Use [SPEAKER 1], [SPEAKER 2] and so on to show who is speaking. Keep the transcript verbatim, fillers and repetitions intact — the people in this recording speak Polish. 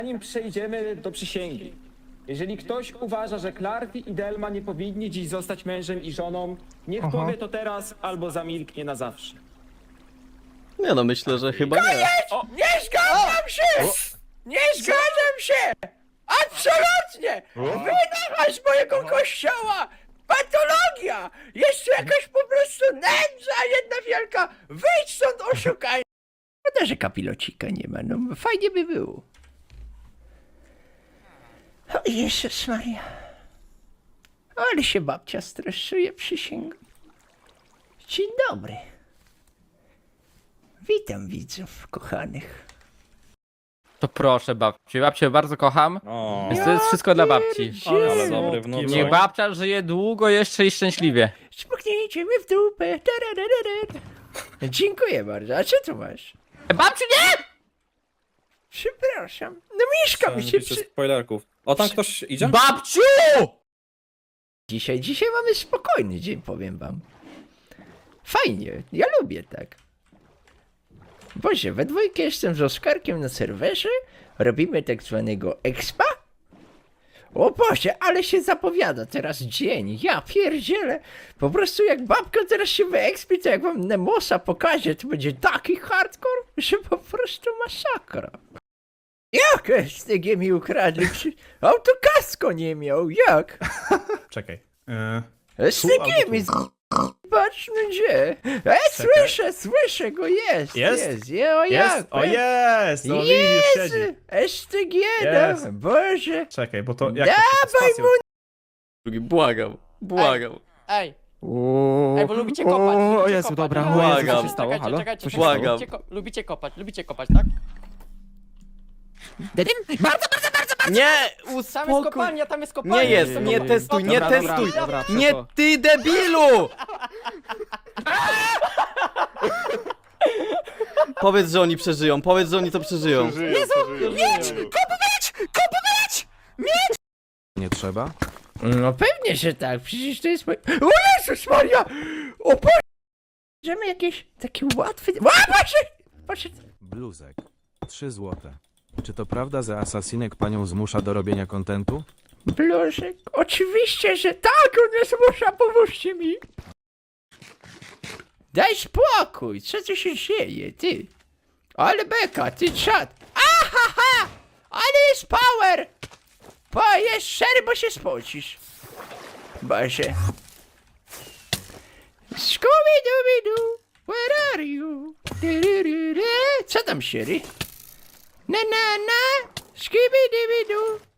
[SPEAKER 1] Zanim przejdziemy do przysięgi, jeżeli ktoś uważa, że Clarty i Delma nie powinni dziś zostać mężem i żoną, niech
[SPEAKER 2] Aha.
[SPEAKER 1] powie to teraz albo zamilknie na zawsze.
[SPEAKER 3] Nie no, myślę, że chyba nie.
[SPEAKER 1] O,
[SPEAKER 4] Nie zgadzam się! Nie zgadzam się! Absolutnie! Wynocha z mojego kościoła! Patologia! Jeszcze jakaś po prostu nędza jedna wielka! Wyjdź stąd, oszukaj! Szkoda, że kapilocika nie ma, no fajnie by było. O Jezus Maria. Ale się babcia stresuje, przysięgam. Dzień dobry. Witam widzów kochanych.
[SPEAKER 5] To proszę babci, babcię bardzo kocham,
[SPEAKER 6] O,
[SPEAKER 5] więc to jest wszystko dla babci.
[SPEAKER 6] ale dobry wnuczek.
[SPEAKER 5] Niech babcia żyje długo jeszcze i szczęśliwie.
[SPEAKER 4] Spuknijcie mnie w dupę. Tarararara. Dziękuję bardzo. A co tu masz?
[SPEAKER 5] E, babciu nie!
[SPEAKER 4] Przepraszam. No mieszka mi się
[SPEAKER 6] Pisze
[SPEAKER 4] przy...
[SPEAKER 6] spoilerków. O, tam ktoś idzie?
[SPEAKER 5] Babciu!
[SPEAKER 4] Dzisiaj, dzisiaj mamy spokojny dzień, powiem wam. Fajnie, ja lubię tak. Boże, we dwójkę jestem z Oskarkiem na serwerze, robimy tak zwanego expa. O Boże, ale się zapowiada teraz dzień, ja pierdzielę. Po prostu jak babka teraz się wyexpi, to jak wam Nemosa pokaże, to będzie taki hardcore, że po prostu masakra. Jak S T G mi ukradli? Przy... Autokasko nie miał, jak?
[SPEAKER 2] Czekaj. E,
[SPEAKER 4] S T G
[SPEAKER 2] albo
[SPEAKER 4] mi
[SPEAKER 2] tu.
[SPEAKER 4] z... Patrz no gdzie? E, słyszę, słyszę go, jest,
[SPEAKER 2] Jest?
[SPEAKER 4] jest, je, o
[SPEAKER 2] Jest?
[SPEAKER 4] jak?
[SPEAKER 2] O jest! No widzisz,
[SPEAKER 4] Jest!
[SPEAKER 2] siedzi.
[SPEAKER 4] S T G,
[SPEAKER 2] Jest.
[SPEAKER 4] no, Boże.
[SPEAKER 2] Czekaj, bo to jak
[SPEAKER 4] Dawaj
[SPEAKER 2] to się spacją?
[SPEAKER 3] Drugi, błagam, błagam.
[SPEAKER 7] Ej,
[SPEAKER 1] O,
[SPEAKER 7] ej, bo lubicie kopać. lubicie
[SPEAKER 1] o Jezu,
[SPEAKER 7] kopać.
[SPEAKER 1] dobra,
[SPEAKER 7] Lubicie
[SPEAKER 1] o Jezu, co
[SPEAKER 3] Błagam.
[SPEAKER 1] się stało?
[SPEAKER 7] Czekajcie,
[SPEAKER 1] Halo?
[SPEAKER 7] czekajcie,
[SPEAKER 1] Co się
[SPEAKER 7] czekajcie,
[SPEAKER 3] Błagam.
[SPEAKER 7] lubicie, ko- lubicie kopać, lubicie kopać, tak?
[SPEAKER 1] Bardzo,
[SPEAKER 3] Nie,
[SPEAKER 7] Tam jest
[SPEAKER 3] uspokój.
[SPEAKER 7] kopalnia, tam jest kopalnia.
[SPEAKER 3] Nie jest,
[SPEAKER 7] tam
[SPEAKER 3] nie
[SPEAKER 7] jest
[SPEAKER 3] testuj, nie
[SPEAKER 1] Dobra, dobra,
[SPEAKER 3] testuj.
[SPEAKER 1] dobra,
[SPEAKER 3] Nie
[SPEAKER 1] przeszło.
[SPEAKER 3] ty, debilu! Powiedz, że oni przeżyją, powiedz, że oni to przeżyją.
[SPEAKER 8] Nie trzeba?
[SPEAKER 4] No pewnie, że tak, przecież to jest mój... O Jezus Maria! O Boże! Możemy jakieś takie łatwe... O Boże! Boże!
[SPEAKER 8] Bluzek. Trzy złote. Czy to prawda, że Asasinek panią zmusza do robienia kontentu?
[SPEAKER 4] Bluszek, oczywiście, że tak, on mnie zmusza, pomóżcie mi. Daj spokój, co tu się dzieje, ty? Ale beka, ty czad. Ahaha! Ale jest power! Bo jest szery, bo się spocisz. Boże. Scooby-Dooby-Doo, where are you? Du-du-du-du. Co tam, Sherry? Na na na, Scooby-Dooby-Doo.